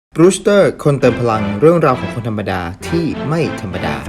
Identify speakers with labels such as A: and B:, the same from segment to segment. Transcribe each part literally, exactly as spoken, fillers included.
A: บรูสเตอร์คนเติมพลังเรื่องราวของคนธรรมดาที่ไม่ธรรมดา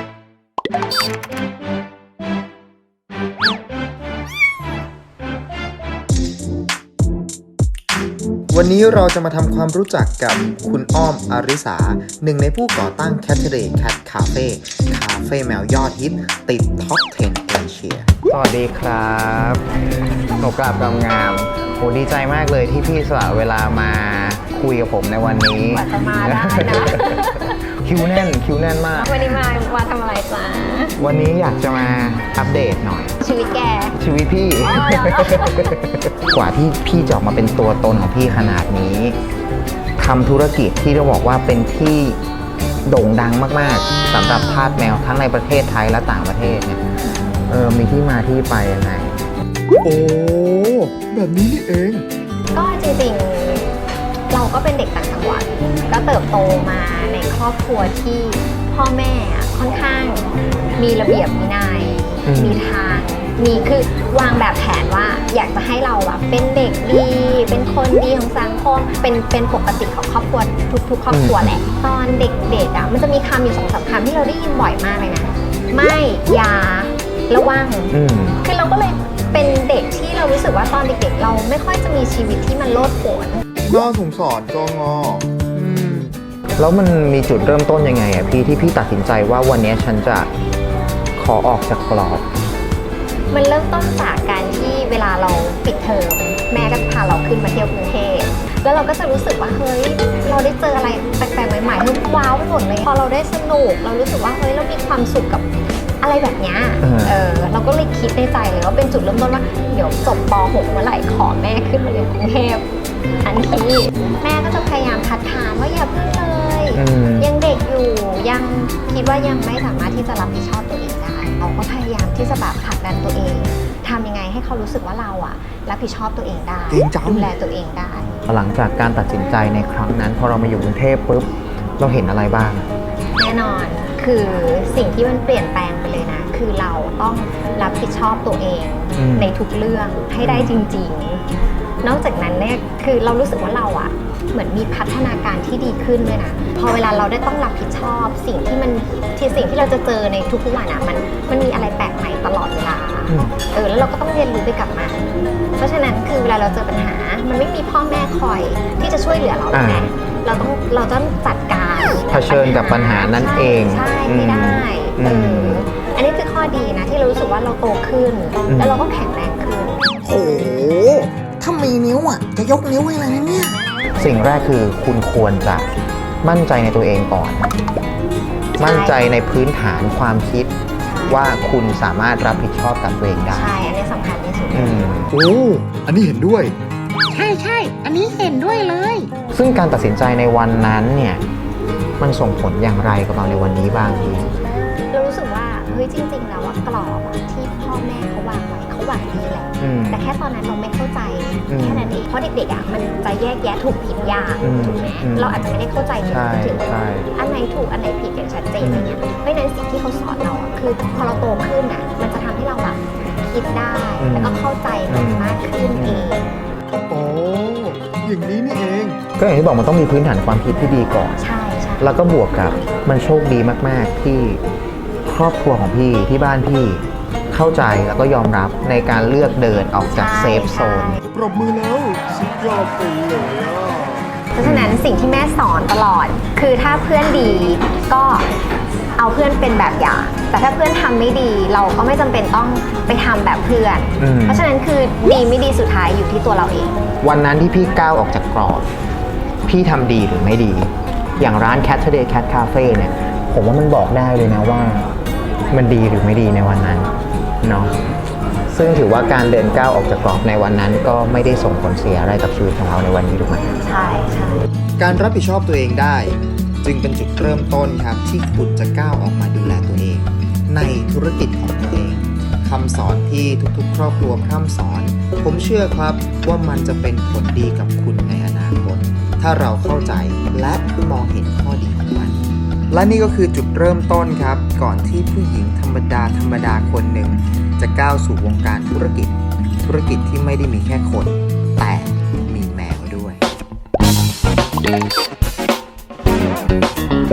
A: วันนี้เราจะมาทำความรู้จักกับคุณอ้อมอาริสาหนึ่งในผู้ก่อตั้ง Cattery Cat Cafe คาเฟ่แมวยอดฮิตติดท็อปสิบเอเชีย
B: สวัสดีครับหนูกลับงามๆโหดีใจมากเลยที่พี่สละเวลามาคุยกับผมในวันนี้
C: กว่าจะมาได้นะ
B: คิวแน่นคิวแน่นมาก
C: วันนี้มามาทำอะไรจ๊ะ
B: วันนี้อยากจะมาอัปเดตหน่อย
C: ชีวิตแก
B: ชีวิตพี่ กว่าที่พี่จะออกมาเป็นตัวตนของพี่ขนาดนี้ทำธุรกิจที่เราบอกว่าเป็นที่โด่งดังมากๆสำหรับทาสแมวทั้งในประเทศไทยและต่างประเทศเนี่ยเออมีที่มาที่ไปยังไง
A: โอ้แบบนี้นี่เอง
C: ก็จริงๆเราก็เป็นเด็กต่างจังหวัดก็เติบโตมาในครอบครัวที่พ่อแม่ค่อนข้างมีระเบียบวินัยมีทางมีคือวางแบบแผนว่าอยากจะให้เราแบบเป็นเด็กดีเป็นคนดีของสังคมเป็นเป็นปกติของครอบครัวทุกๆครอบครัวแหละตอนเด็กๆอ่ะมันจะมีคำอยู่สองสามคำที่เราได้ยินบ่อยมากเลยนะไม่อย่าระวังคือเราก็เลยเป็นเด็กที่เรารู้สึกว่าตอนเด็กๆเราไม่ค่อยจะมีชีวิตที่มันโลดโผน
A: น่าสงสารจงอ
B: แล้วมันมีจุดเริ่มต้นยังไงอะพี่ที่พี่ตัดสินใจว่าวันนี้ฉันจะขอออกจากกรอบ
C: มันเริ่มต้นจากการที่เวลาเราปิดเทอมแม่ก็พาเราขึ้นมาเที่ยวกรุงเทพแล้วเราก็จะรู้สึกว่าเฮ้ยเราได้เจออะไรแปลกๆใหม่ๆเฮ้ยว้าวไปหมดเลยพอเราได้สนุกเรารู้สึกว่าเฮ้ยเรามีความสุขกับอะไรแบบนี้เออเราก็เลยคิดในใจเลยว่าเป็นจุดเริ่มต้นว่าเดี๋ยวจบป หก เมื่อไหร่ขอแม่ขึ้นมาเรียนกรุงเทพทันทีแม่ก็จะพยายามคัดค้านว่าอย่าเพิ่งเลยยังเด็กอยู่ยังคิดว่ายังไม่สามารถที่จะรับผิดชอบตัวเองได้เราก็พยายามที่จะแบบผลักดันตัวเองทำยังไงให้เขารู้สึกว่าเราอะรับผิดชอบตัวเองได้ดูแลตัวเองได้
B: หลังจากการตัดสินใจในครั้งนั้นพอเรามาอยู่กรุงเทพปุ๊บเราเห็นอะไรบ้าง
C: แน่นอนคือสิ่งที่มันเปลี่ยนแปลงไปเลยนะคือเราต้องรับผิดชอบตัวเองในทุกเรื่องให้ได้จริงๆนอกจากนั้นเนี่ยคือเรารู้สึกว่าเราอะเหมือนมีพัฒนาการที่ดีขึ้นด้วยนะพอเวลาเราได้ต้องรับผิดชอบสิ่งที่มันที่สิ่งที่เราจะเจอในทุกๆวันอะมันมันมีอะไรแปลกใหม่ตลอดเวลาเออแล้วเราก็ต้องเรียนรู้ไปกับมันเพราะฉะนั้นคือเวลาเราเจอปัญหามันไม่มีพ่อแม่คอยที่จะช่วยเหลือเราไงเราต้องเราต้องจัดการ
B: เผชิญกับปัญหานั้นเอง
C: ใช่ไม่ได้เอออันนี้คือข้อดีนะที่เรารู้สึกว่าเราโตขึ้นแล้วเราก็แข็งแรงขึ้น
A: โอ้ถ้ามีนิ้วอ่ะจะยกนิ้วให้อะไรนะเนี่ย
B: สิ่งแรกคือคุณควรจะมั่นใจในตัวเองก่อนมั่นใจในพื้นฐานความคิดว่าคุณสามารถรับผิดชอบกับตัวเองได้
C: ใช่อันนี้สำคัญที่สุด
A: โอ้อันนี้เห็นด้วย
C: ใช่ใช่อันนี้เห็นด้วยเลย
B: ซึ่งการตัดสินใจในวันนั้นเนี่ยมันส่งผลอย่างไรกับเราในวันนี้บ้างพี่
C: เรารู้สึกว่าเฮ้ยจริงๆแล้วว่ากรอบที่พ่อแม่เขาวางไว้เขาหวังดีแหละแต่แค่ตอนนั้นเราไม่เข้าใจแค่นั้นเองเพราะเด็กๆอ่ะมันจะแยกแยะถูกผิดยากถูกไหมเราอาจจะไม่ได้เข้าใจถึงถึงอันไหนถูกอันไหนผิดอย่างชัดเจนอะไรเงี้ยเพราะฉะนั้นสิ่งที่เขาสอนเราอ่ะคือพอเราโตขึ้นอ่ะมันจะทำให้เราแบบคิดได้แล้วก็เข้าใจมันมากขึ้นเอง
A: โอ้อย่างนี้นี่เอง
B: ก็อย่างที่บอกมันต้องมีพื้นฐานความคิดที่ดีก่อน
C: ใช่ใช่
B: แล้วก็บวกกับมันโชคดีมากๆที่ครอบครัวของพี่ที่บ้านพี่เข้าใจแล้วก็ยอมรับในการเลือกเดินออกจากเซฟโซน
A: ปรบมือแล้วสุดยอดไปเลยอ่ะ
C: เพราะฉะนั้นสิ่งที่แม่สอนตลอดคือถ้าเพื่อนดีก็เอาเพื่อนเป็นแบบอย่างแต่ถ้าเพื่อนทำไม่ดีเราก็ไม่จำเป็นต้องไปทำแบบเพื่อนเพราะฉะนั้นคือดีไม่ดีสุดท้ายอยู่ที่ตัวเราเอง
B: วันนั้นที่พี่ก้าวออกจากกรอบพี่ทำดีหรือไม่ดีอย่างร้าน Cattery Cat Cafe เนี่ยผมว่ามันบอกได้เลยนะว่ามันดีหรือไม่ดีในวันนั้นเนาะซึ่งถือว่าการเดินก้าวออกจากกรอบในวันนั้นก็ไม่ได้ส่งผลเสียอะไรกับชีวิตของเราในวันนี้ถูกไหม
C: ใช่ใช่
A: การรับผิดชอบตัวเองได้จึงเป็นจุดเริ่มต้นครับที่คุณจะก้าวออกมาดูแลตัวเองในธุรกิจของตัวเองคำสอนที่ทุกๆครอบครัวพร่ำสอนผมเชื่อครับว่ามันจะเป็นผลดีกับคุณในอนาคตถ้าเราเข้าใจและมองเห็นข้อดีของมันและนี่ก็คือจุดเริ่มต้นครับก่อนที่ผู้หญิงธรรมดาธรรมดาคนหนึ่งจะก้าวสู่วงการธุรกิจธุรกิจที่ไม่ได้มีแค่คนแต่มีแมวด้วย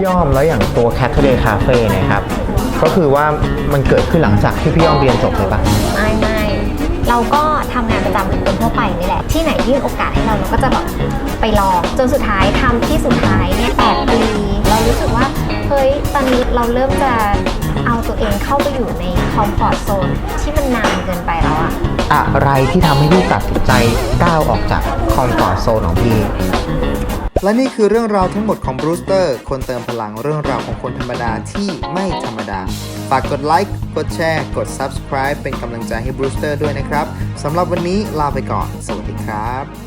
B: พี่อ้อมแล้วอย่างตัว Saturday Cafe เนี่ยครับก็คือว่ามันเกิดขึ้นหลังจากที่พี่อ้อมเรียนจบเลยปะ
C: ไม่ไม่เราก็ทำงานประจำเหมือนคนทั่วไปนี่แหละที่ไหนยื่นโอกาสให้เราเราก็จะแบบไปลองจนสุดท้ายทำที่สุดท้ายเนี่ยแปดปีเรารู้สึกว่าเฮ้ยตอนนี้เราเริ่มจะเอาตัวเองเข้าไปอยู่ในคอมฟอร์ตโซนที่มันนานเกินไปแล้วอะ
B: อะไรที่ทำให้พี่ตัดสินใจก้าวออกจากคอมฟอร์ตโซนของพี่
A: และนี่คือเรื่องราวทั้งหมดของบรูสเตอร์คนเติมพลังเรื่องราวของคนธรรมดาที่ไม่ธรรมดา ฝากกดไลค์กดแชร์กด Subscribe เป็นกำลังใจให้บรูสเตอร์ด้วยนะครับสำหรับวันนี้ลาไปก่อนสวัสดีครับ